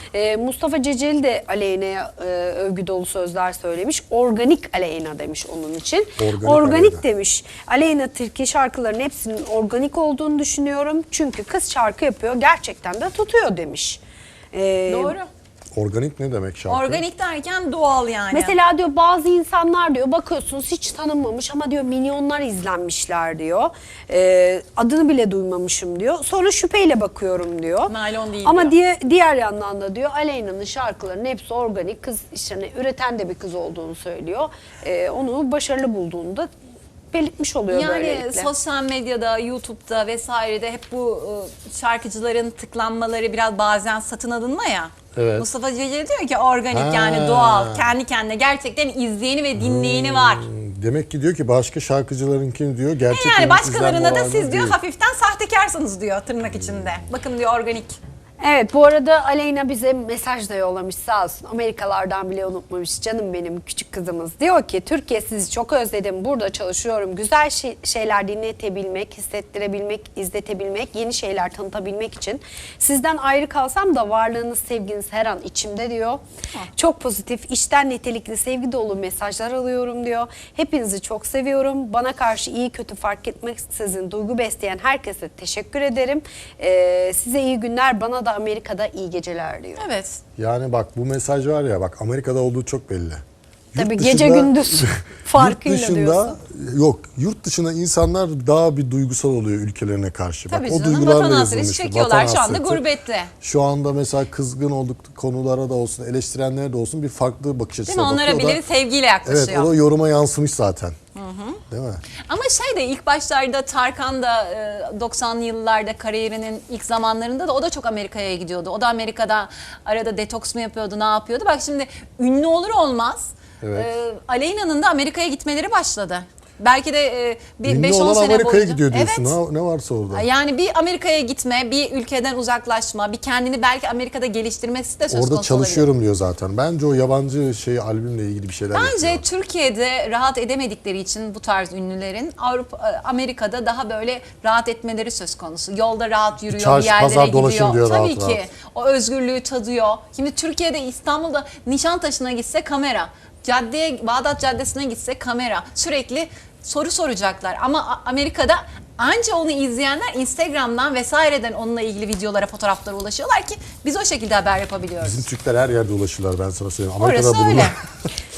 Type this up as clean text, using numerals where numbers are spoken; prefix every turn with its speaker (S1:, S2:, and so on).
S1: Mustafa Ceceli de Aleyna'ya övgü dolu sözler söylemiş. Organik Aleyna demiş onun için. Organik
S2: Aleyna
S1: demiş. Aleyna Tilki şarkıların hepsinin organik olduğunu düşünüyorum. Çünkü kız şarkı yapıyor. Gerçekten de tutuyor demiş.
S3: Doğru.
S2: Organik ne demek şarkı?
S3: Organik derken doğal yani.
S1: Mesela diyor bazı insanlar diyor bakıyorsunuz hiç tanınmamış ama diyor milyonlar izlenmişler diyor. Adını bile duymamışım diyor. Sonra şüpheyle bakıyorum diyor.
S3: Naylon değil
S1: ama
S3: diyor.
S1: diğer yandan da diyor Aleyna'nın şarkılarının hepsi organik. Kız işte hani üreten de bir kız olduğunu söylüyor. Onu başarılı bulduğunu da belirtmiş oluyor
S3: yani
S1: böylelikle.
S3: sosyal medyada, YouTube'da vesairede hep bu şarkıcıların tıklanmaları biraz bazen satın alınma ya.
S2: Evet.
S3: Mustafa Ceceli diyor ki organik yani doğal, kendi kendine gerçekten izleyeni ve dinleyeni var.
S2: Demek ki diyor ki başka şarkıcılarınkini diyor gerçekten
S3: Yani başkalarına da
S2: izlenme
S3: siz
S2: oranı
S3: diyor
S2: değil.
S3: hafiften sahtekarsınız diyor tırnak içinde. Bakın diyor organik.
S1: Evet, bu arada Aleyna bize mesaj da yollamış sağ olsun. Amerikalardan bile unutmamış canım benim küçük kızımız. Diyor ki Türkiye sizi çok özledim. Burada çalışıyorum. Güzel şeyler dinletebilmek, hissettirebilmek, izletebilmek, yeni şeyler tanıtabilmek için. Sizden ayrı kalsam da varlığınız, sevginiz her an içimde diyor. Çok pozitif, içten nitelikli, sevgi dolu mesajlar alıyorum diyor. Hepinizi çok seviyorum. Bana karşı iyi kötü fark etmeksizin duygu besleyen herkese teşekkür ederim. Size iyi günler, bana da Amerika'da iyi geceler diyor.
S3: Evet.
S2: Yani bak bu mesaj var ya bak Amerika'da olduğu çok belli.
S1: Tabii gece gündüz farkıyla
S2: yurt dışında,
S1: diyorsun.
S2: Yok yurt dışında insanlar daha bir duygusal oluyor ülkelerine karşı.
S3: Tabii
S2: bak,
S3: canım,
S2: o duygularla
S3: vatan hasreti
S2: yazılmış.
S3: çekiyorlar şu anda
S2: hasreti.
S3: gurbette.
S2: Şu anda mesela kızgın olduk konulara da olsun, eleştirenlere de olsun bir farklı bakış
S3: Değil
S2: açısına
S3: mi?
S2: bakıyor.
S3: Onlara bile sevgiyle yaklaşıyor.
S2: Evet, o da yoruma yansımış zaten. Değil mi?
S3: Ama şey de ilk başlarda Tarkan da 90'lı yıllarda kariyerinin ilk zamanlarında da o da çok Amerika'ya gidiyordu. O da Amerika'da arada detoks mu yapıyordu, ne yapıyordu? Bak şimdi ünlü olur olmaz
S2: Evet.
S3: Aleyna'nın da Amerika'ya gitmeleri başladı. Belki de bir
S2: Ünlü
S3: 5-10
S2: olan
S3: sene
S2: Amerika'ya
S3: boyunca.
S2: gidiyor diyorsun.
S3: Evet.
S2: Ha, ne varsa orada.
S3: Yani bir Amerika'ya gitme, bir ülkeden uzaklaşma, bir kendini belki Amerika'da geliştirmesi de söz konusu
S2: Orada çalışıyorum diyor zaten. Bence o yabancı albümle ilgili bir şeyler
S3: Bence
S2: yapıyor.
S3: Türkiye'de rahat edemedikleri için bu tarz ünlülerin Amerika'da daha böyle rahat etmeleri söz konusu. Yolda rahat yürüyor,
S2: Çarşı,
S3: bir yerlere
S2: pazar
S3: gidiyor.
S2: dolaşın diyor
S3: Tabii
S2: rahat
S3: ki
S2: rahat.
S3: o özgürlüğü tadıyor. Şimdi Türkiye'de İstanbul'da Nişantaşı'na gitse kamera, Bağdat Caddesi'ne gitse kamera. Sürekli soru soracaklar ama Amerika'da anca onu izleyenler Instagram'dan vesaireden onunla ilgili videolara, fotoğraflara ulaşıyorlar ki biz o şekilde haber yapabiliyoruz.
S2: Bizim Türkler her yerde ulaşırlar ben sana söyleyeyim.
S3: Orası
S2: Amerika'da
S3: öyle.
S2: bulunur.